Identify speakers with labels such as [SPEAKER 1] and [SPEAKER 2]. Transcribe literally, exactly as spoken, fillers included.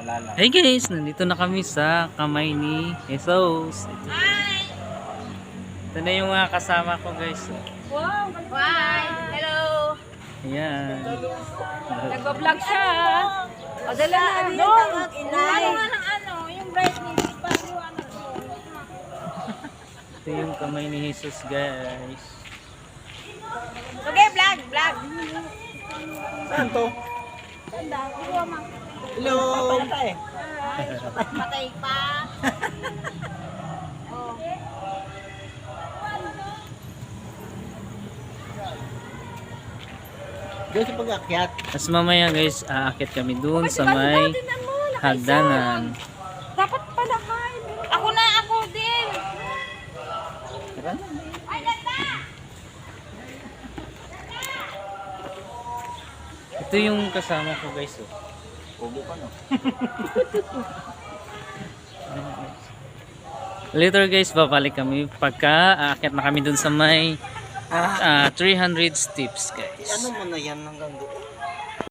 [SPEAKER 1] Malalaw.
[SPEAKER 2] Hey guys, nandito na kami sa kamay ni Jesus. Ito, ito na yung mga kasama ko guys.
[SPEAKER 3] Wow! Bye! Hello!
[SPEAKER 2] Ayan.
[SPEAKER 3] Nagbablog siya. O, dala na. No! Ano nga ng ano, yung brightness, paliwanag ko.
[SPEAKER 2] Ito yung kamay ni Jesus guys.
[SPEAKER 3] Okay, vlog, vlog.
[SPEAKER 1] Saan to?
[SPEAKER 3] Tanda, kuha ma.
[SPEAKER 1] Hello!
[SPEAKER 3] Ay, patay pa. Oh.
[SPEAKER 1] Diyan sa pag-akyat.
[SPEAKER 2] Tapos mamaya guys, aakit kami dun sa may hagdanan.
[SPEAKER 3] Dapat pala kain. Ako na, ako din.
[SPEAKER 1] Tara.
[SPEAKER 3] Ay, ganda!
[SPEAKER 2] Ito yung kasama ko guys. Oh.
[SPEAKER 1] Ubo ka no?
[SPEAKER 2] Later guys, babalik kami pagka aakit na kami dun sa may ah, three hundred steps guys.
[SPEAKER 1] Ano mo na yan hanggang doon?